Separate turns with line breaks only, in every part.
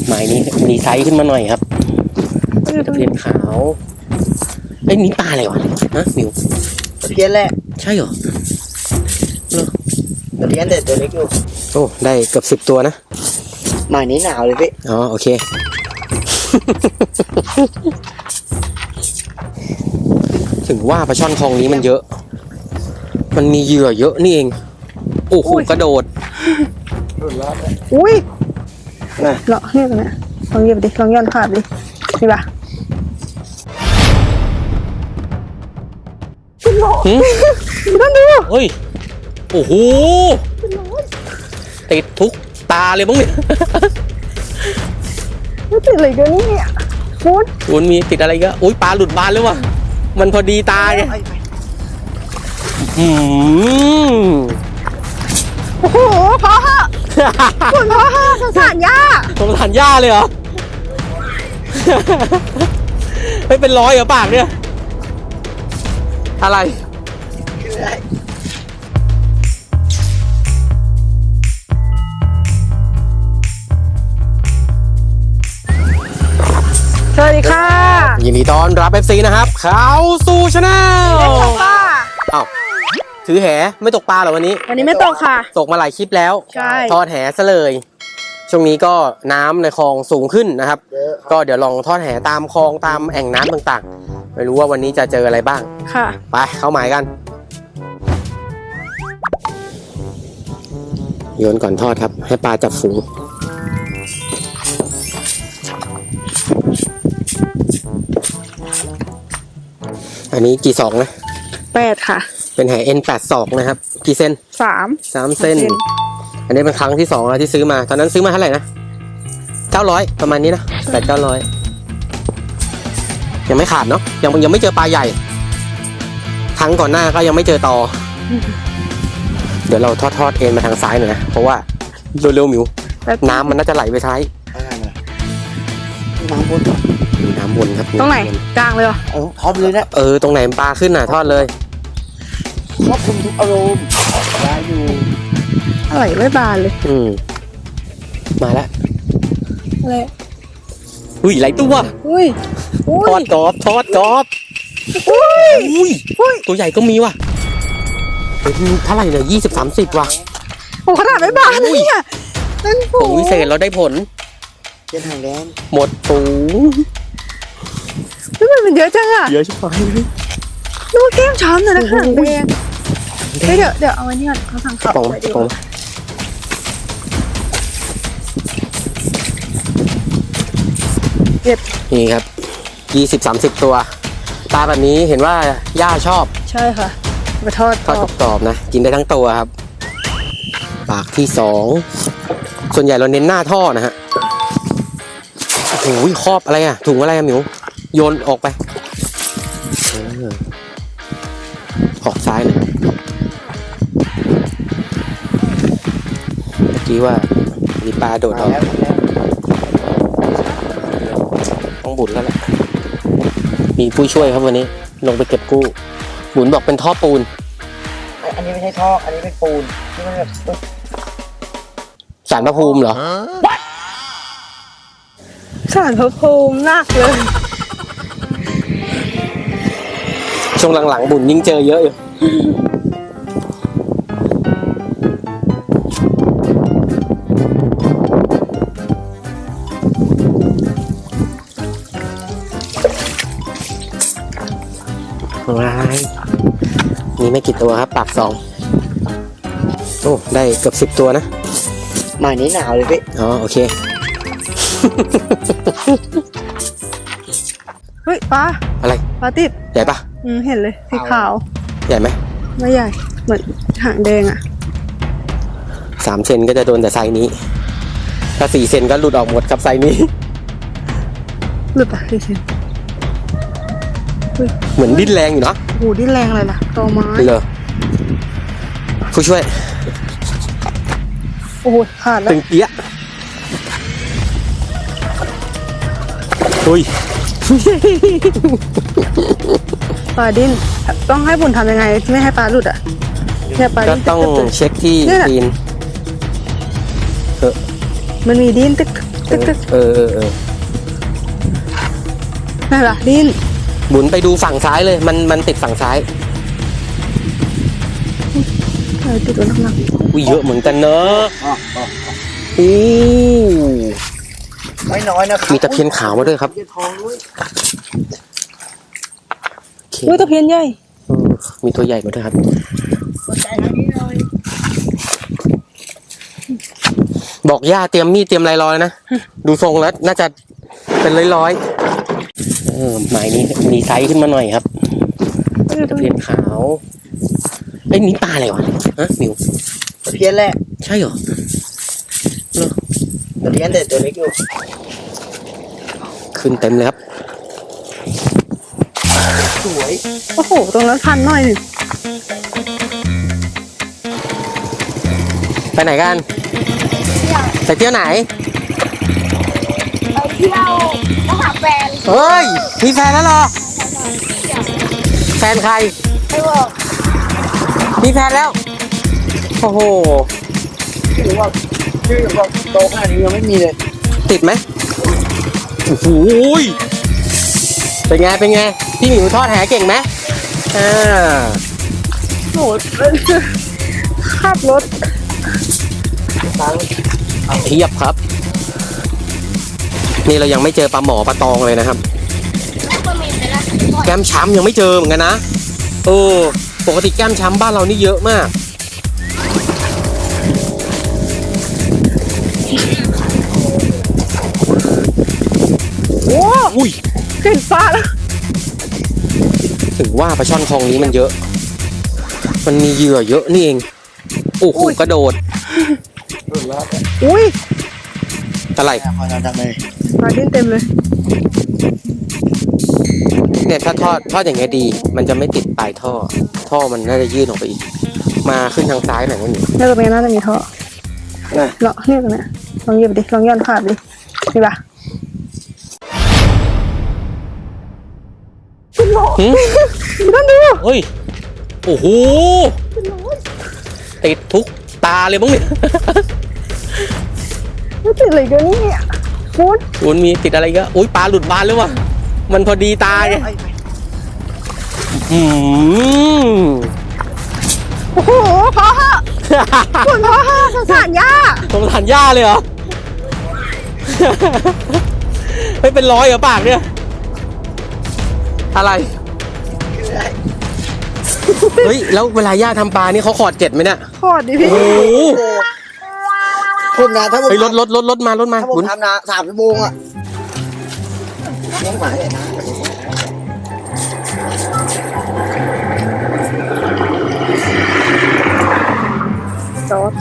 หมายนี้มีไซส์ขึ้นมาหน่อยครับตะเพียนขาวไอ้นี่ปลาอะไรวะฮะมิว
ตะเพียนแหละ
ใช่เหรอ
ตะเพียนเด็ดตัวเล็กอยู่
โอ้ได้เกือบ10 ตัวนะ
หมายนี้หนาวเลยพี่
อ๋อโอเค ถึงว่าปลาช่อนคลองนี้มันเยอะมันมีเหยื่อเยอะนี่เองโอ้โหกระโดด
อุ้ยเลาะเนี่ยนะลองเหยียบดิลองย้อนขาดดิดีป่ะเป็นโลนั่นดู
เฮ้ยโอ้โหติดทุกตาเลยบ้างเนี่ย
ไม่ติดอะไรกันเนี่ย
คุณมีติดอะไรก็อุ้ยปลาหลุดบานเลยวะมันพอดีตาไง
โอ้โหพอฮะคุณพอฮะสงสารย่า
สงสารย่าเลยเหรอไม่เป็นร้อยเหรอปากเนี่ยอะไร
สวัสดีค่ะ
ยินดีต้อนรับ FC นะครับเข้าสู่ชาแนลอ้าวถือแหไม่ตกปลาเหรอวันนี้
ไม่ตกค่ะ
ตกมาหลายคลิปแล้ว
ใช่
ทอดแหซะเลยช่วงนี้ก็น้ำในคลองสูงขึ้นนะครับก็เดี๋ยวลองทอดแหตามคลองตามแอ่งน้ำต่างๆไม่รู้ว่าวันนี้จะเจออะไรบ้าง
ค่ะ
ไปเข้าหมายกันโยนก่อนทอดครับให้ปลาจับฝูงอันนี้กี่ศอกนะ
8ค่ะ
เป็นแห N82 นะครับกี่เซน3เซนอันนี้เป็นครั้งที่2แล้วที่ซื้อมาตอนนั้นซื้อมาเท่าไหร่นะ900ประมาณนี้นะ800-900ยังไม่ขาดเนาะยังไม่เจอปลาใหญ่ครั้งก่อนหน้าก็ยังไม่เจอตอเดี๋ยวเราทอดเอ็นมาทางซ้ายหน่อยนะเพราะว่าเร็วๆมิวน้ำมันน่าจะไหลไปซ้าย
น้ำบน
ครับ
ตรงไหนกลางเลยเหรอ
ทอดเลยนะ
ตรงไหนปลาขึ้นน่ะทอดเลย
ครอบคลุมทุกอารมณ์ได้อยู่
ไหลไม่บานเลย
มาแล้ว
อะไร
อุ้ยไหลตัว
อุ้ย
ทอดกรอบอุ้ยตัวใหญ่ก็มีว่ะเท่าไหร่เนี่ย20-30ว่ะ
โอ้ขนาดไม่บานเลยเนี่ย
เป็นผงวิเศษเราได้ผล
เป็นหางแดง
หมดฝูง
มันเยอะจังอ่ะ
เยอะชิบหาย
ดูแก้มช้ำเลยนะหางแดงเดี๋ยวเอาไว้นี่ก่อนเขาสั่งขับไปดีกว่า
นี่ครับ20-30ตัวปลาแบบนี้เห็นว่าย่าชอบ
ใช่ค่ะไปทอด
กรอบนะกินได้ทั้งตัวครับปากที่2ส่วนใหญ่เราเน้นหน้าท่อนะฮะโอ้ยครอบอะไรอ่ะถุงอะไรอ่ะหมิวโยนออกไปออกซ้ายเลยเมื่อกี้ว่ามีปลาโดดออกต้องบุญแล้วแหละมีผู้ช่วยครับวันนี้ลงไปเก็บกู้บุญบอกเป็นท่อปูน
อันนี้ไม่ใช่ท่ออันนี้เป็นปูนที่มันแบบ
ศาลพระภูมิเหรอ
ศาลพระภูมิหนักเลย
ช่วงหลังๆบุญยิ่งเจอเยอะอยู่มีไม่กี่ตัวครับปาก2โอ้ได้เกือบ10 ตัวนะ
หมายนี้หนาวเลยพี่
อ๋อโอเค
เฮ้ยปลา
อะไร
ปลาติด
ใหญ่ปะ
เห็นเลยสีขาว
ใหญ่ไหม
ไม่ใหญ่เหมือนหางแดงอ่ะ
3 เซนก็จะโดนแต่ไซส์นี้ถ้า4 เซนก็หลุดออกหมดครับไซส์นี้
หลุดอ่ะ4 เซน
เหมือนดิ้นแรงอยู่นะ
โอ้ดิ้นแรงอะไรล่ะตอไม้
เลยผู้ช่วย
โอ้ยขาดแล้ว
ตึงเปี้ยอุ้ย
ปลาดิ้นต้องให้บุญทำยังไงไม่ให้ปลาหลุดอ่ะ
ก็ต้องเช็คที่ตีน
มันมีดิ้นตึกตึกตึก
เออ
นั่นล่ะดิ้น
หมุนไปดูฝั่งซ้ายเลย มันติดฝั่งซ้าย
ติดตัวน้ำหนัก
อุ้ยเยอะเหมือนกันเนอะ อู้
ไม่น้อยนะครับ
มีตะเพียนขาวมาด้วยครับ
ตะเพียนทองด้วย
โอเค
อุ้ยตะเพียนใหญ่
มีตัวใหญ่มาด้วยครับ
สนใจทางนี้หน่อย
บอกย่าเตรียมมีดเตรียมอะไรรอเลยนะ ดูทรงแล้วน่าจะเป็นร้อยหมายนี้มีไซส์ขึ้นมาหน่อยครับตะเพียนขาวไอ้ยนี่ปลาอะไรวะฮะมิว
ตะเพียนแหละ
ใช่เหรอ
ตะเพียนแต่ตัวเล็กอยู่
ขึ้นเต็มเลยครับ
สวย
โอ้โหตรงนั้นพันหน่อยหนึ่ง
ไปไหนกันไปเที่ยวไหน
ไปเที่ยวแล้วหาแฟน
เฮ้ย มีแฟนแล้วเหรอ แฟนใคร
ไม่บอก
มีแฟนแล้ว โอ้โห
ชื่อว่าโตขนาดนี้ยังไม่มีเลย
ติดไหมโอ้โหยเป็นไง เป็นไง พี่หมิวทอดแหเก่งไหมอ่า
โหขับรถ
เทียบครับ นี่เรายังไม่เจอปลาหมอปลาตองเลยนะครับ
แล้วก็มีไปละ
แก้มช้ำยังไม่เจอเหมือนกันนะเออปกติแก้มช้ำบ้านเรานี่เยอะมาก
โอ้
อุ้ย
เห็นฟ้าแล้ว
ถึงว่าปลาช่อนคลองนี้มันเยอะ มันมีเหยื่อเยอะนี่เอง โอ้โหกระโดด
รุ่นแล้ว
อุ้ย
อะไร
พอเราทำเลย
ปลาดิ้นเต็มเลย
เนี่ยถ้าทอดอย่างเงี้ยดี มันจะไม่ติดปลายท่อ ท่อมันน่าจะยื่นออกไปอีก มาขึ้นทางซ้ายหน่อยนะหนู
เนี่ยตรงนี้น่าจะมีท่อ
นะ
เลาะเนี่ยตรงเนี้ยลองเหยียบดิ ลองย้อนขาดดินี่ปะ
หืม
นั่นดู
เฮ้ย โอ้โห ติดทุกตาเลยมั้งเนี่ย
ไม่ติดอะไรกันเนี่ยคุณ
คุณมีติดอะไรก็อุ้ยปลาหลุดบานเลยวะมันพอดีตาไงอืม
โอ้โหพอฮะคุณพอฮะสงสารย่า
สงสารย่าเลยเหรอ ไม่เป็นร้อยเหรอปากเนี่ย อะไร เฮ้ย แล้วเวลาย่าทำปลานี่เขาขอดเกล็ดไหมเนี่ย
ขอดดิพี่
โอ้โห
ผมนะถ้าผม
เฮ้ยรถมา
ถ้าผม
บุญ
ทำนะ3 ชั่วโมงอะเลี้ยงหมาเนี่ยนะ
จอด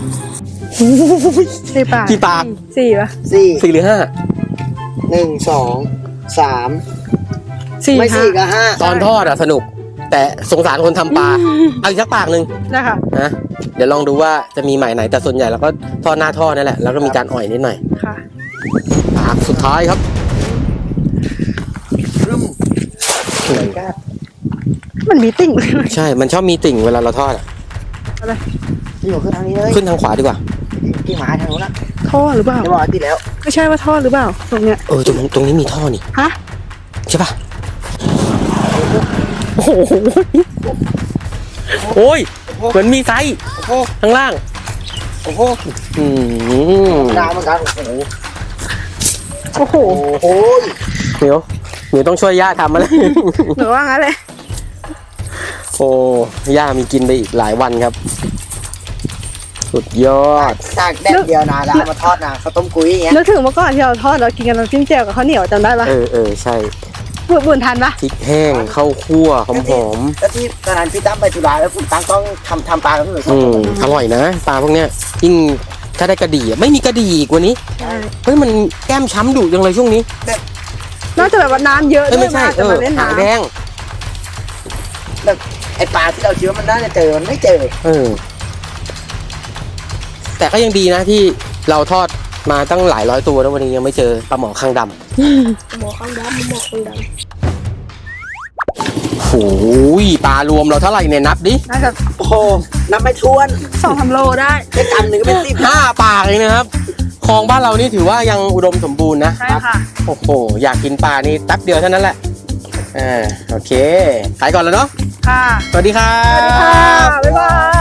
สี่ปาก
กี่ปาก
สี่ปะ
4
4 หรือ
1 2 3
สี่
ไม่
ห้า
4 กับ
5 ตอนทอดอะสนุก แต่สงสารคนทำปลาเอาอีกสักปากหนึ่ง
นะคะ
นะเดี๋ยวลองดูว่าจะมีหมายไหนแต่ส่วนใหญ่เราก็ทอดหน้าท่อนั่นแหละแล้วก็มีการอ่อยนิดหน่อย
ค่ะ
ปากสุดท้ายครับ
มันมีติ่งเลย
ใช่ มันชอบมีติ่งเวลาเราทอดอะ
อะไร
ที่อยู่ขึ้นทางนี้เลย
ขึ้นทางขวาดีกว่า
ที่หมาทางนู้นนะ
ท่อหรือเปล่า
จะบอกว่าติดแล้ว
ไม่ใช่ว่าท่อหรือเปล่าตรงเนี้ย
ตรงนี้มีท่อนี่
ฮะ
ใช่ปะโอ้โหโอ้ยเหมือนมีไซส์
โอ้โห
ข้างล่าง
โอ้โห
อืม
ดาวเหมือนกันโอ้โห
โอ้โห
โอ้โห
เหนียวต้องช่วยย่าทำอะไร
หรือว่างั้นเลย
โอ้ย่ามีกินไปอีกหลายวันครับ สุดยอด
ตากแดดเดียวนะแล้วเอามาทอดนะข้าวต้มกุ้ยอย่างเงี้ย
นึกถึงเมื่อก่อนที่เราทอดเรากินกันน้ำจิ้มแจ่วกับข้าวเหนียวจำได้ปะ
เออใช่
บุญทันปะ
พริกแห้งข้าวคั่วหอม
แล้วที่ตอนนั้นพี่ตั้มไปจุฬาแล้วคุณตั้มต้องทำปลากับพี่หนุ่ย
อร่อยนะปลาพวกเนี้ยยิ่งถ้าได้กระดี่อะไม่มีกระดี่อีกวันนี้
ใช่
เฮ้ยมันแก้มช้ำดุจังเลยช่วงนี้
นอกจากแบบว่าน้ำเยอะ
เอ้ย
ด้วย
ไม่ใช่
มาจะมาเล่น
หาง
น้ำ
แดง
แบบไอปลาที่เราคิดว่ามันน่าจะเจอมันไม่เจอ
แต่ก็ยังดีนะที่เราทอดมาตั้งหลายร้อยตัวแล้ววันนี้ยังไม่เจอปลาหมอข้างดำ
หมอข้างดำหมอข้างดำ
โอ้ยปลารวมเราเท่าไหร่เนี่ยนับดิ
น่าจะ
โอ้โหนับไม่ถ้วน
2-3 โลได้
แค่กำหนึ่งก็เป็น10
5 ปากเลยนะครับคลองบ้านเรานี่ถือว่ายังอุดมสมบูรณ์นะ
ใช่ค่ะ
โอ้โหอยากกินปลานี่แป๊บเดียวเท่านั้นแหละโอเคขายก่อนแล้วเนาะ
ค่ะ
สวัสดีครั
สวัสดีค่ะ
บ
บ๊ายบาย